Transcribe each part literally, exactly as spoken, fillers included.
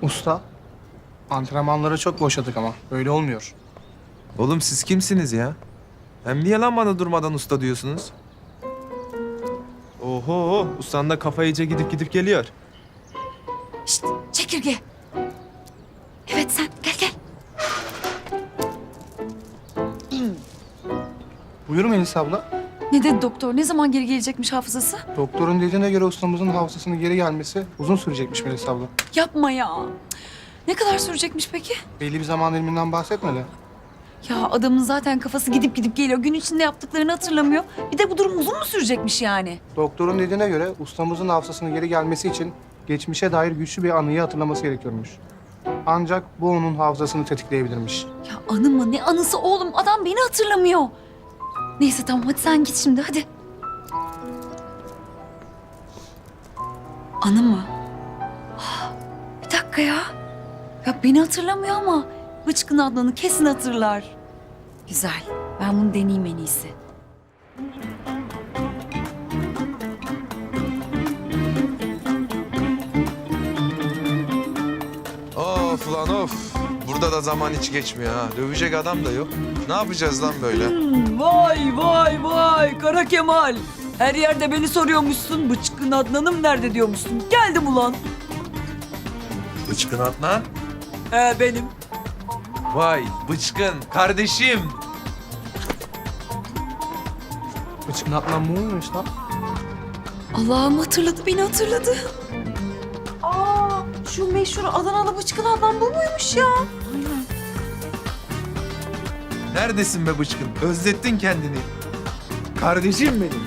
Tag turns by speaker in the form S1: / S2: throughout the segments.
S1: Usta, antrenmanları çok boşadık ama böyle olmuyor.
S2: Oğlum siz kimsiniz ya? Hem niye lan bana durmadan usta diyorsunuz? Oho, ustanın da kafa iyice gidip gidip geliyor.
S3: Şşt, çekirge. Evet sen gel gel.
S1: Buyur Melis abla.
S3: Ne dedi doktor? Ne zaman geri gelecekmiş hafızası?
S1: Doktorun dediğine göre ustamızın hafızasının geri gelmesi uzun sürecekmiş Melis abla.
S3: Yapma ya. Ne kadar sürecekmiş peki?
S1: Belli bir zaman diliminden bahsetmedi.
S3: Ya adamın zaten kafası gidip gidip geliyor. Gün içinde yaptıklarını hatırlamıyor. Bir de bu durum uzun mu sürecekmiş yani?
S1: Doktorun dediğine göre ustamızın hafızasının geri gelmesi için geçmişe dair güçlü bir anıyı hatırlaması gerekiyormuş. Ancak bu onun hafızasını tetikleyebilirmiş.
S3: Ya anı mı? Ne anısı oğlum? Adam beni hatırlamıyor. Neyse tamam hadi sen git şimdi hadi. Anı mı? Ah, bir dakika ya. Ya beni hatırlamıyor ama Bıçkın Adnan'ı kesin hatırlar. Güzel. Ben bunu deneyeyim en iyisi.
S2: Of lan of. Burada da zaman hiç geçmiyor ha. Dövecek adam da yok. Ne yapacağız lan böyle?
S4: Vay vay vay Kara Kemal. Her yerde beni soruyormuşsun. Bıçkın Adnan'ım nerede diyormuşsun. Geldim ulan.
S2: Bıçkın Adnan.
S4: He benim.
S2: Vay bıçkın kardeşim.
S1: Bıçkın Adnan bu muymuş lan?
S3: Allah'ım hatırladı, beni hatırladı. Aa, şu meşhur Adanalı Bıçkın Adnan bu muymuş ya? Aynen.
S2: Neredesin be bıçkın? Özlettin kendini. Kardeşim benim.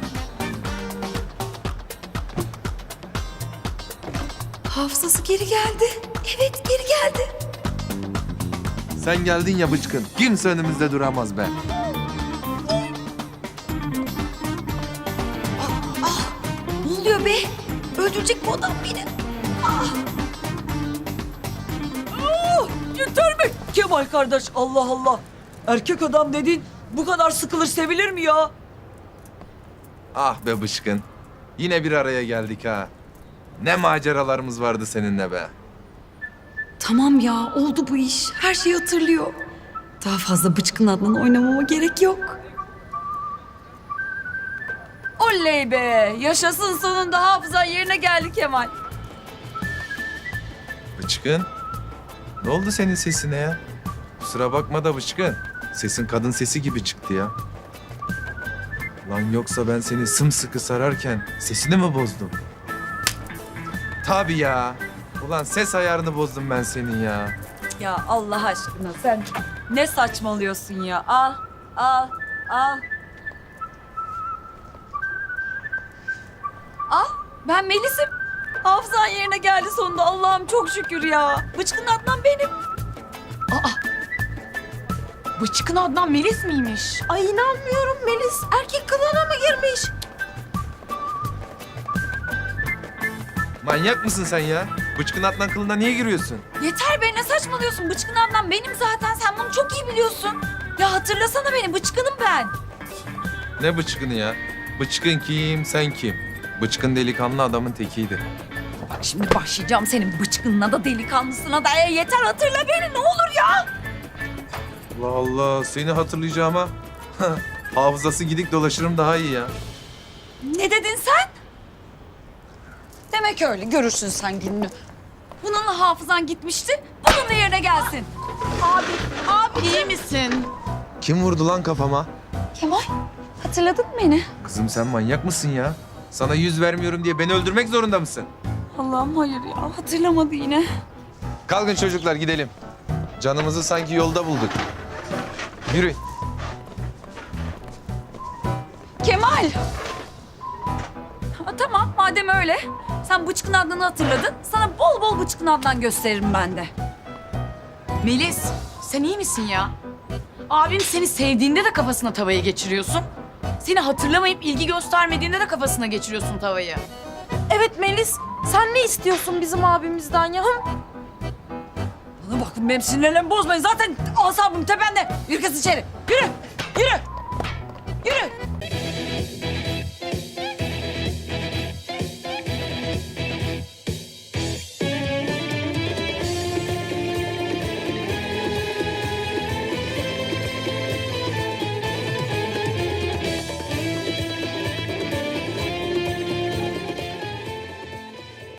S3: Hafızası geri geldi. Evet, geri geldi.
S2: Sen geldin ya bıçkın. Kimse önümüzde duramaz be.
S3: Ne oluyor be? Öldürecek bu adam beni.
S4: Yeter mi? Kemal kardeş Allah Allah. Erkek adam dediğin bu kadar sıkılır sevilir mi ya?
S2: Ah be bıçkın. Yine bir araya geldik ha. Ne maceralarımız vardı seninle be.
S3: Tamam ya, oldu bu iş. Her şeyi hatırlıyor. Daha fazla Bıçkın Adnan'ı oynamama gerek yok. Oley be! Yaşasın sonunda hafızan yerine geldi Kemal.
S2: Bıçkın. Ne oldu senin sesine ya? Kusura bakma da bıçkın. Sesin kadın sesi gibi çıktı ya. Lan yoksa ben seni sımsıkı sararken sesini mi bozdum? Tabii ya. Ulan ses ayarını bozdum ben senin ya.
S4: Ya Allah aşkına sen ne saçmalıyorsun ya? Al, al, al.
S3: Al, ben Melis'im. Hafızan yerine geldi sonunda. Allah'ım çok şükür ya. Bıçkın Adnan benim.
S5: Bıçkın Adnan Melis miymiş?
S3: Ay inanmıyorum Melis. Erkek kılığına mı girmiş?
S2: Manyak mısın sen ya? Bıçkın Adnan kılına niye giriyorsun?
S3: Yeter be, ne saçmalıyorsun? Bıçkın Adnan benim zaten. Sen bunu çok iyi biliyorsun. Ya hatırlasana beni. Bıçkınım ben.
S2: Ne bıçkını ya? Bıçkın kim, sen kim? Bıçkın delikanlı adamın tekiydi.
S3: Bak şimdi başlayacağım senin bıçkınına da delikanlısına da. E, yeter hatırla beni ne olur ya.
S2: Allah Allah, seni hatırlayacağıma hafızası gidik dolaşırım daha iyi ya.
S3: Ne dedin sen? Demek öyle. Görürsün sen gününü. Bununla hafızan gitmişti. Bununla yerine gelsin.
S5: Abi iyi misin?
S2: Kim vurdu lan kafama?
S3: Kemal, hatırladın mı beni?
S2: Kızım sen manyak mısın ya? Sana yüz vermiyorum diye beni öldürmek zorunda mısın?
S3: Allah'ım hayır ya. Hatırlamadı yine.
S2: Kalkın çocuklar gidelim. Canımızı sanki yolda bulduk. Yürü.
S3: Kemal! Ha, tamam madem öyle. Sen Bıçkın Adnan'ı hatırladın. Sana bol bol Bıçkın Adnan gösteririm ben de.
S5: Melis sen iyi misin ya? Abim seni sevdiğinde de kafasına tavayı geçiriyorsun. Seni hatırlamayıp ilgi göstermediğinde de kafasına geçiriyorsun tavayı.
S6: Evet Melis, sen ne istiyorsun bizim abimizden ya?
S4: Bana bakın benim sinirlerimi bozmayın. Zaten asabım tepende. Yürü kız içeri. Yürü, yürü, yürü.